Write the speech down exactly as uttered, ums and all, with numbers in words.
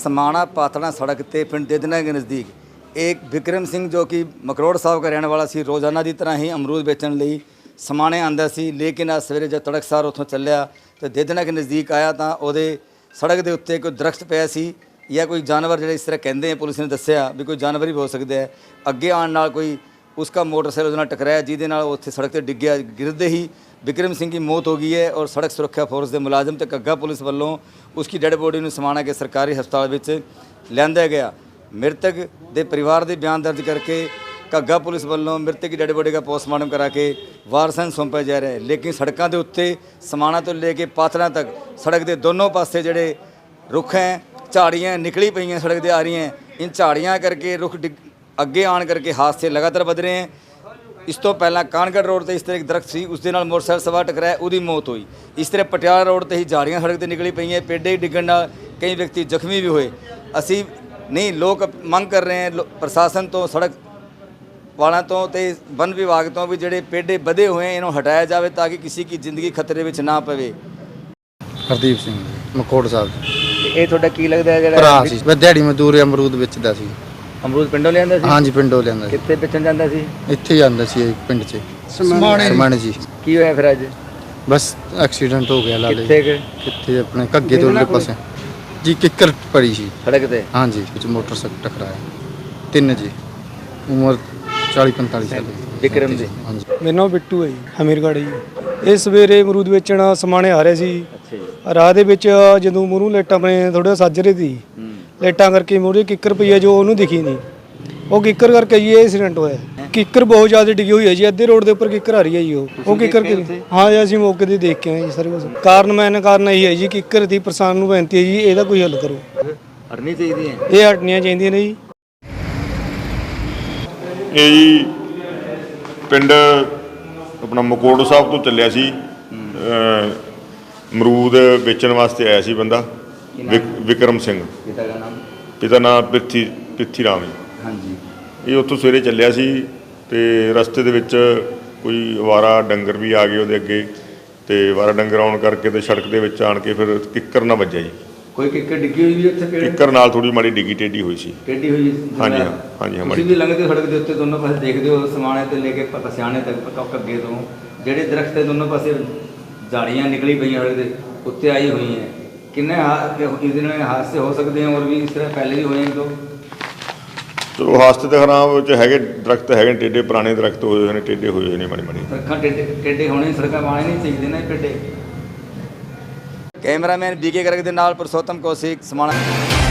समाणा पातड़ा सड़क ते पिंड देदना के नज़दीक एक विक्रम सिंह जो कि मकरोड़ साहब का रहने वाला सी रोज़ाना की तरह ही अमरूद बेचण लई समाणे आंदा सी। लेकिन आज सवेरे जब तड़कसार उत्थों चलिया तो देदना के नज़दीक आया तो ਉਹਦੇ सड़क के उत्ते कोई दरख्त पिया सी या कोई जानवर जिहड़े इस तरह कहते हैं, पुलिस ने दस्सिया भी कोई जानवर ही हो सकता है। अगे आने नाल कोई उसका मोटरसाइकिल उसदे नाल टकराया जिहदे नाल उत्थे सड़क ते डिग गया। गिरदे ही विक्रम सिंह की मौत हो गई है और सड़क सुरक्षा फोर्स के मुलाजम तो घग्गा पुलिस वालों उसकी डेड बॉडी में समाणा के सरकारी हस्पताल में लिया गया। मृतक के परिवार के बयान दर्ज करके घग्गा पुलिस वालों मृतक की डेड बॉडी का पोस्टमार्टम करा के वारसां सौंपा जा रहा है। लेकिन सड़कों के उत्ते समाणा तो लेके पातड़ा तक सड़क के दोनों पासे जोड़े रुख हैं, झाड़ियाँ निकली पई हैं, सड़क से आ रही हैं। इन झाड़ियाँ करके रुख डिग अगे आन करके हादसे लगातार बध रहे हैं। इस तो पहला कानगढ़ रोड पर इस तरह एक दरख्त सी, उसके नाल मोटरसाइकिल सवार टकराया, उसकी मौत हुई। इस तरह पटियाला रोड पर ही झाड़ियाँ सड़क पर निकली पई हैं, पेड़े डिगण नाल कई व्यक्ति जख्मी भी हुए। असी नहीं लोग मंग कर रहे हैं प्रशासन तो, सड़क वालों तो ते वन विभाग तो भी जोड़े पेड़े बधे हुए हैं इन्हों हटाया जाए ताकि किसी की जिंदगी खतरे में ना पवे। हरदीप सिंह मकोड़ साहब ये थोड़ा की लगता है भरा सी, मैं दिहाड़ी मजदूर अमरूद बेचदा सी। अमरूद पिंडों लियांदा सी? हाँ जी पिंडों लियांदा। कित्थे बेचण जांदा सी? ਇੱਥੇ ਹੀ ਆਂਦਾ ਸੀ ਪਿੰਡ 'ਚ ਸਮਾਣੇ ਜੀ। ਕੀ ਹੋਇਆ ਫਿਰ ਅੱਜ? ਬਸ ਐਕਸੀਡੈਂਟ ਹੋ ਗਿਆ ਲਾਲੇ। ਕਿੱਥੇ ਕਿ ਕਿੱਥੇ ਆਪਣੇ ਘੱਗੇ ਤੋਂ ਵਾਲੇ ਪਾਸੇ ਜੀ ਕਿੱਕਰ ਪੜੀ ਸੀ ਸੜਕ ਤੇ। ਹਾਂ ਜੀ ਵਿੱਚ ਮੋਟਰਸਾਈਕਲ ਟਕਰਾਇਆ। ਤਿੰਨ ਜੀ ਉਮਰ ਚਾਲੀ ਪੰਤਾਲੀ ਸਾਲ ਵਿਕਰਮ ਦੀ। ਹਾਂਜੀ ਮੇਰਾ ਨਾਮ ਬਿੱਟੂ ਹੈ ਜੀ, ਹਮੀਰਗੜ੍ਹ ਜੀ। ਇਹ ਸਵੇਰੇ ਅਮਰੂਦ ਵੇਚਣ ਸਮਾਣੇ ਆ ਰਹੇ ਸੀ। ਅੱਛਾ ਜੀ। ਰਾਹ ਦੇ ਵਿੱਚ ਜਦੋਂ ਮੂਹਰੋਂ ਲਾਈਟਾਂ ਆਪਣੇ ਥੋੜਾ ਸੱਜ ਰਹੀ ਸੀ, ਲਾਈਟਾਂ ਕਰਕੇ ਮੂਹਰੇ ਕਿੱਕਰ ਪਈ ਹੈ ਜੋ ਉਹਨੂੰ ਦਿਖੀ ਨਹੀਂ, ਉਹ ਕਿੱਕਰ ਕਰਕੇ ਜੀ ਇਹ ਐਕਸੀਡੈਂਟ ਹੋਇਆ। ਕਿੱਕਰ ਬਹੁਤ ਜ਼ਿਆਦਾ ਡਿੱਗੀ ਹੋਈ ਹੈ ਜੀ, ਅੱਧੇ ਰੋਡ ਦੇ ਉੱਪਰ ਕਿੱਕਰ ਆ ਰਹੀ ਹੈ ਜੀ। ਉਹ ਉਹ ਕਿੱਕਰ ਹਾਂ ਜੀ ਅਸੀਂ ਮੌਕੇ ਤੇ ਦੇਖ ਕੇ ਆਏ ਜੀ ਸਾਰੇ ਕੁਝ। ਕਾਰਨ ਮੈਨ ਕਾਰਨ ਇਹੀ ਹੈ ਜੀ ਕਿੱਕਰ ਦੀ ਪ੍ਰਸ਼ਾਸਨ ਨੂੰ ਬੇਨਤੀ ਹੈ ਜੀ ਇਹਦਾ ਕੋਈ ਹੱਲ ਕਰੋ। ਹਟਣੀ ਚਾਹੀਦੀ ਹੈ, ਇਹ ਹਟਣੀਆਂ ਚਾਹੀਦੀਆਂ ਨੇ ਜੀ। ਇਹ ਜੀ ਪਿੰਡ ਆਪਣਾ ਮਕੋੜ ਸਾਹਿਬ ਤੋਂ ਚੱਲਿਆ ਸੀ, ਅਮਰੂਦ ਵੇਚਣ ਵਾਸਤੇ ਆਇਆ ਸੀ ਬੰਦਾ ਵਿਕਰਮ ਸਿੰਘ। ਪਿਤਾ ਦਾ ਨਾਮ? ਪਿਤਾ ਨਾਮ ਪ੍ਰਿਥੀ ਪ੍ਰਿਥੀ ਰਾਮ ਜੀ। ਹਾਂਜੀ। ਇਹ ਉੱਥੋਂ ਸਵੇਰੇ ਚੱਲਿਆ ਸੀ ਤੇ ਰਸਤੇ ਦੇ ਵਿੱਚ ਕੋਈ ਅਵਾਰਾ ਡੰਗਰ ਵੀ ਆ ਗਏ ਉਹਦੇ ਅੱਗੇ, ਤੇ ਅਵਾਰਾ ਡੰਗਰ ਆਉਣ ਕਰਕੇ ਤੇ ਸੜਕ ਦੇ ਵਿੱਚ ਆਣ ਕੇ ਫਿਰ ਕਿੱਕਰ ਨਾਲ ਵੱਜਿਆ ਜੀ। ਕੋਈ ਕਿੱਕਰ ਡਿੱਗੀ ਹੋਈ ਵੀ ਉੱਥੇ? ਕਿੱਕਰ ਨਾਲ ਥੋੜੀ ਮਾੜੀ ਡਿੱਗੀ ਟੇਢੀ ਹੋਈ ਸੀ। ਟੇਢੀ ਹੋਈ? ਹਾਂਜੀ ਹਾਂ ਹਾਂਜੀ ਹਾਂ। ਤੁਸੀਂ ਵੀ ਲੰਘਦੇ ਹੋ ਸੜਕ ਦੇ ਉੱਤੇ, ਦੋਨੋਂ ਪਾਸੇ ਦੇਖਦੇ ਹੋ ਸਮਾਣੇ ਤੋਂ ਲੈ ਕੇ ਪਸਿਆਣੇ ਤੱਕ ਅੱਗੇ ਤੋਂ ਜਿਹੜੇ ਦਰਖਤ ਦੇ ਦੋਨੋਂ ਪਾਸੇ झाड़ियाँ निकली पई सड़क के उत्ते आई हुई हैं। किन्ने इस दिन हादसे हो सकते हैं और भी इस तरह पहले भी हुए हैं? तो चलो हादसे तो खराब है, दरख्त है टेढ़े पुराने दरख्त होए हुए हैं, टेढ़े होए हुए हैं माड़ी माड़ी। सड़क टेढ़े टेढ़े होने सड़क पाने नहीं चाहिए ना टेढ़े। कैमरामैन बी के गर्ग दे नाल पुरुषोत्तम कौशिक समाणा।